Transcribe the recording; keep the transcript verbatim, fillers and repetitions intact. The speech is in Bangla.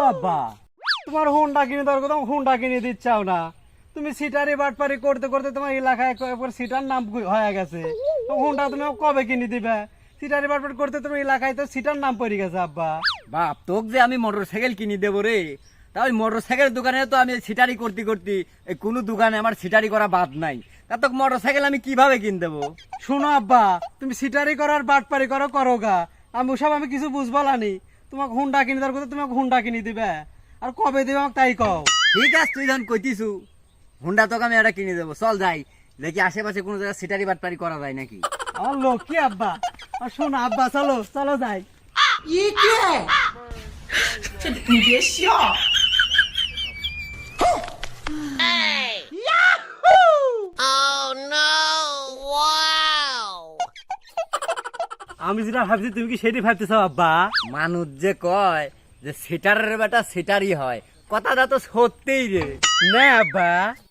আব্বা তোমার হুন্ডা কিনে দেওয়ার কথা হুন্ডা কিনে দিচ্ছাও না, তুমি সিটারি বাটপারি করতে করতে তোমার এলাকায় সিটার নাম হয়ে গেছে, হুন্ডা তুমি কবে কিনে দিবে? সিটারি বাটপারি করতে তোমার এলাকায় তো সিটার নাম পড়ে গেছে আব্বা। বাপ তোকে যে আমি মোটর সাইকেল কিনে দেবো রে, তা ওই মোটর সাইকেল দোকানে তো আমি সিটারি করতে করতে এই কোনো দোকানে আমার সিটারি করা বাদ নাই, তা তোকে মোটর সাইকেল আমি কিভাবে কিনে দেবো? শোনো আব্বা, তুমি সিটারি করার বাটপারি করো করো গা, আমি ওসব আমি কিছু বুঝবো না, তোমাকে হুন্ডা কিনে দেওয়ার কথা তোমাকে হুন্ডা কিনে দিবে, আর কবে দিবে আমাকে তাই কও। ঠিক আছে তুই যখন কইতিছু হুন্ডা তোকে আমি একটা কিনে দেবো, চল যাই দেখি আশেপাশে কোনো জায়গায় সিটারি বাটপারি করা যায় নাকি। আমার লোক কি আব্বা, আর শোনো আব্বা চলো চলো যাই। আমি যেটা ভাবছি তুমি কি সেটাই ভাবতেছো আব্বা? মানুষ যে কয় যে সিটারের বেটা সিটারই হয়, কথাটা তো সত্যিই রে। না আব্বা,